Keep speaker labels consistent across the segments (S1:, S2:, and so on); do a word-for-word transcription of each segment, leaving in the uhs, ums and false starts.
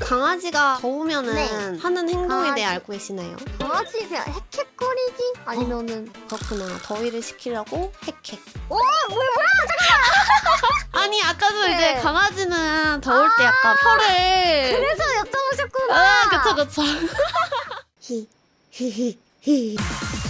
S1: 강아지가 더우면은
S2: 네.
S1: 하는 행동에
S2: 강아지.
S1: 대해 알고 계시나요?
S2: 강아지 그냥 헥헥거리기? 아니면은
S1: 그렇구나. 더위를 식히려고 헥헥.
S2: 어? 뭐야 뭐야?
S1: 아니 아까도
S2: 네.
S1: 이제 강아지는 더울 때 약간 혀를
S2: 그래서 여쭤보셨구나.
S1: 아 그쵸 그쵸. 히 히히 히.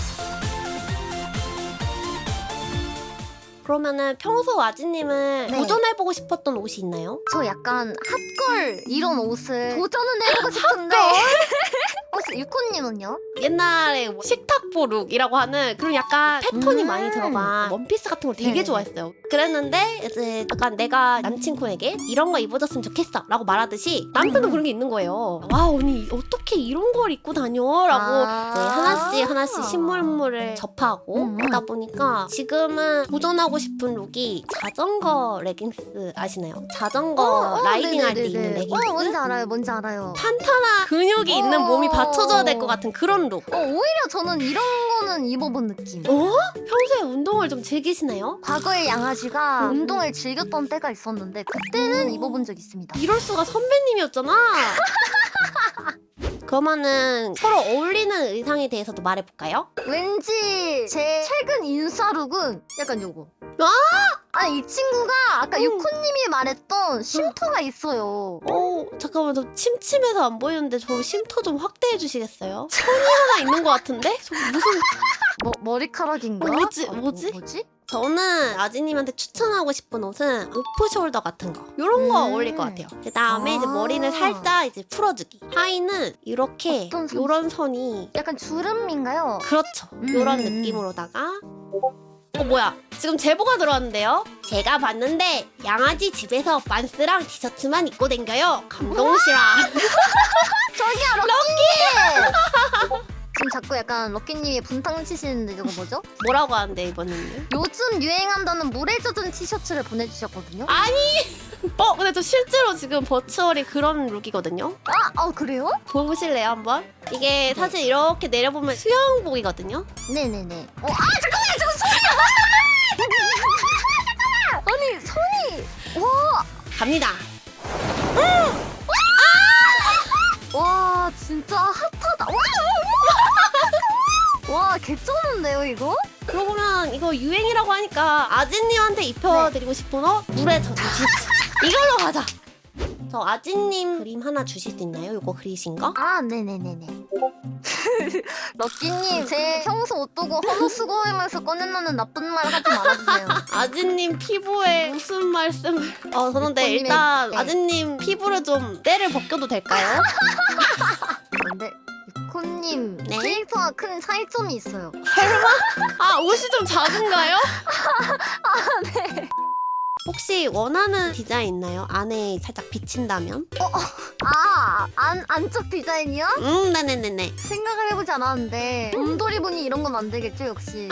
S1: 그러면은 평소 아지님은
S2: 네.
S1: 도전해보고 싶었던 옷이 있나요?
S2: 저 약간 핫걸 이런 옷을 도전은 해보고 싶은데 혹시 유코님은요?
S1: 옛날에 뭐 식탁보 룩이라고 하는 그런 약간 패턴이
S2: 음.
S1: 많이 들어간 원피스 같은 걸 되게
S2: 네네.
S1: 좋아했어요. 그랬는데 이제 약간 내가 남친쿤에게 이런 거 입어줬으면 좋겠어 라고 말하듯이 남편도
S2: 음.
S1: 그런 게 있는 거예요. 와 언니 어떻게 이런 걸 입고 다녀? 라고
S2: 아.
S1: 이제 하나씩 하나씩 신물물을 접하고
S2: 음.
S1: 하다 보니까 지금은 도전하고 싶은 룩이 자전거 레깅스 아시나요? 자전거
S2: 어, 어,
S1: 라이딩 할 때
S2: 네네네네.
S1: 입는 레깅스?
S2: 어 뭔지 알아요 뭔지 알아요.
S1: 탄탄한 근육이 있는
S2: 어.
S1: 몸이 받쳐줘야 될 것 같은 그런 룩.
S2: 어 오히려 저는 이런 거는 입어본 느낌.
S1: 어? 평소에 운동을 좀 즐기시나요?
S2: 과거에 양아지가
S1: 음.
S2: 운동을 즐겼던 때가 있었는데 그때는
S1: 오.
S2: 입어본 적 있습니다.
S1: 이럴 수가 선배님이었잖아. 그러면은 서로 어울리는 의상에 대해서도 말해볼까요?
S2: 왠지 제 최근 인싸룩은 약간 요거.
S1: 아!
S2: 아니 이 친구가 아까
S1: 음.
S2: 유코님이 말했던 쉼터가 있어요.
S1: 어 잠깐만 저 침침해서 안 보이는데 저 쉼터 좀 확대해 주시겠어요? 천이 하나 있는 것 같은데? 저 무슨
S2: 뭐 머리카락인가?
S1: 어, 뭐지?
S2: 아, 뭐-
S1: 뭐지?
S2: 뭐지?
S1: 저는 아지님한테 추천하고 싶은 옷은 오프숄더 같은 거 이런 거
S2: 음.
S1: 어울릴 것 같아요. 그 다음에 이제
S2: 아.
S1: 머리는 살짝 이제 풀어주기. 하의는 이렇게
S2: 어떤 선수?
S1: 요런 선이
S2: 약간 주름인가요?
S1: 그렇죠.
S2: 음.
S1: 요런 느낌으로다가 어 뭐야 지금 제보가 들어왔는데요. 제가 봤는데 양아지 집에서 반스랑 티셔츠만 입고 댕겨요. 감동시라.
S2: 저기야 럭키! 지금 자꾸 약간 럭키님이 분탕 치시는데 저거 뭐죠?
S1: 뭐라고 하는데 이번에는?
S2: 요즘 유행한다는 물에 젖은 티셔츠를 보내주셨거든요.
S1: 아니 어 근데 저 실제로 지금 버추얼이 그런 룩이거든요.
S2: 아, 아 그래요?
S1: 보실래요 한번? 이게 사실 이렇게 내려보면 수영복이거든요.
S2: 네네네. 어, 아 잠깐만 저거 손이야! 아니 손이 와,
S1: 갑니다.
S2: 와 진짜 핫하다. 와, 와 개쩌는데요 이거?
S1: 그러고 보면 이거 유행이라고 하니까 아진님한테 입혀드리고 싶은 옷 물에 젖은 티셔츠. 이걸로 가자. 저 아진님 그림 하나 주실 수 있나요? 이거 그리신 거?
S2: 아 네네네네. 럭키님 제 평소 옷 보고 헌옷 수고하면서 꺼내놓는 나쁜 말 하지 말아주세요.
S1: 아진님 피부에 무슨 말씀을? 어 그런데
S2: 유코님의-
S1: 일단
S2: 네.
S1: 아진님 피부를 좀 때를 벗겨도 될까요?
S2: 근데 유코님
S1: 네?
S2: 캐릭터가 큰 차이점이 있어요.
S1: 아 옷이 좀 작은가요? 아 네. 혹시 원하는 디자인 있나요? 안에 살짝 비친다면?
S2: 아, 안, 안쪽 디자인이요?
S1: 음 네네네네.
S2: 생각을 해보지 않았는데 곰돌이 분이 이런 건 안 되겠죠 역시.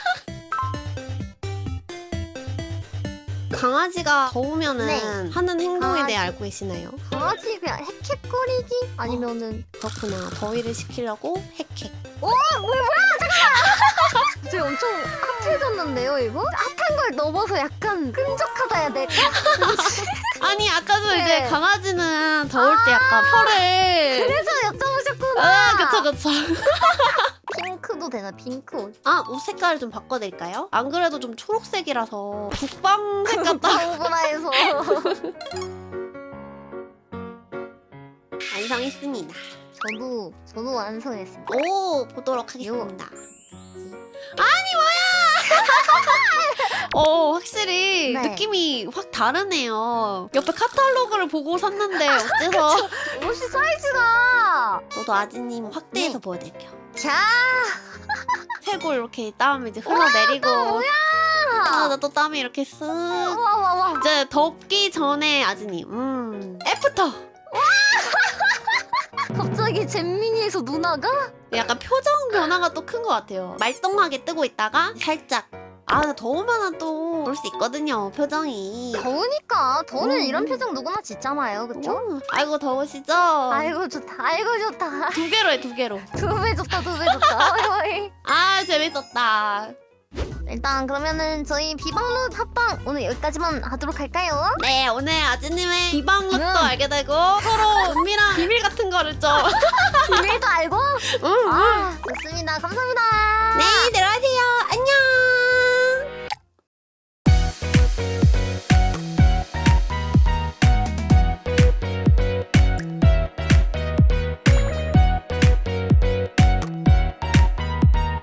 S1: 강아지가 더우면은
S2: 네.
S1: 하는 행동에
S2: 강아지.
S1: 대해 알고 계시나요?
S2: 강아지 그냥 헥헥거리기? 아니면은
S1: 그렇구나. 더위를 식히려고 헥헥.
S2: 어? 뭐야 뭐야 잠깐만! 저 엄청 핫해졌는데요 이거? 핫한 걸 넘어서 약간 끈적하다 해야 될까?
S1: 아니 아까도
S2: 네.
S1: 이제 강아지는 더울 때 약간 혀를
S2: 그래서 여쭤보셨구나.
S1: 아 그쵸 그쵸.
S2: 핑크도 되나 핑크 옷?
S1: 아 옷 색깔을 좀 바꿔드릴까요? 안 그래도 좀 초록색이라서 국방색 같다.
S2: 오브라에서
S1: 완성했습니다.
S2: 저도 저도 완성했습니다.
S1: 오 보도록 하겠습니다. 아니 뭐야? 어 확실히
S2: 네.
S1: 느낌이 확 다르네요. 옆에 카탈로그를 보고 샀는데 어째서?
S2: 옷이 사이즈가
S1: 저도 아지님 확대해서
S2: 네.
S1: 보여드릴게요.
S2: 자
S1: 쇄골 이렇게 땀 이제 흘러내리고.
S2: 뭐야?
S1: 아, 나 또 땀이 이렇게 쓱.
S2: 와와와
S1: 이제 덥기 전에 아지님. 음. 애프터.
S2: 갑자기 잼민이에서 누나가?
S1: 약간 표정 변화가 또 큰 것 같아요. 말똥하게 뜨고 있다가 살짝. 아, 나 더우면 또 볼 수 있거든요. 표정이.
S2: 더우니까 더우면
S1: 음.
S2: 이런 표정 누구나 짓잖아요 그쵸?
S1: 오, 아이고 더우시죠?
S2: 아이고 좋다 아이고 좋다
S1: 두 개로 해, 두 개로.
S2: 두 배 좋다 두 배 좋다 어이, 어이.
S1: 아, 재밌었다.
S2: 일단 그러면은 저희 비방룩 합방 오늘 여기까지만 하도록 할까요?
S1: 네, 오늘 아지님의 비방룩도
S2: 음.
S1: 알게 되고 서로 은밀한 거를 좀.
S2: 비밀도 알고?
S1: 응, 응.
S2: 아, 좋습니다. 감사합니다.